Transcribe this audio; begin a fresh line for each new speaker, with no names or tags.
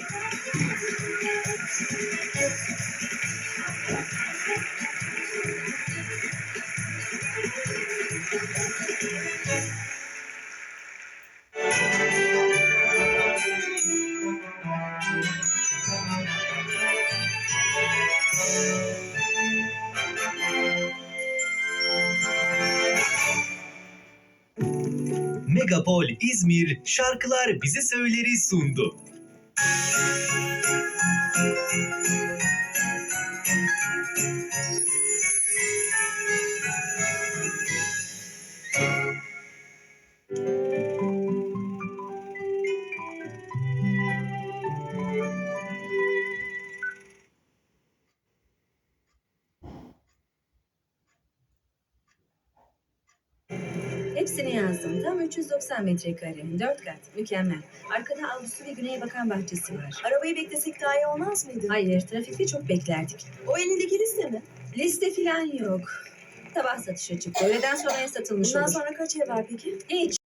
Megapol İzmir Şarkılar Bizi Söyler'i sundu.
Hepsini yazdım. Tam 390 metrekare. 4 kat. Mükemmel. Arkada avlusu ve güneye bakan bahçesi var.
Arabayı beklesek daha iyi olmaz mıydı?
Hayır, trafikte çok beklerdik.
O elindeki liste mi?
Liste falan yok. Sabah satışa çıktı. Öğleden sonraya satılmış
Bundan
olur.
sonra kaç ev var peki?
Hiç.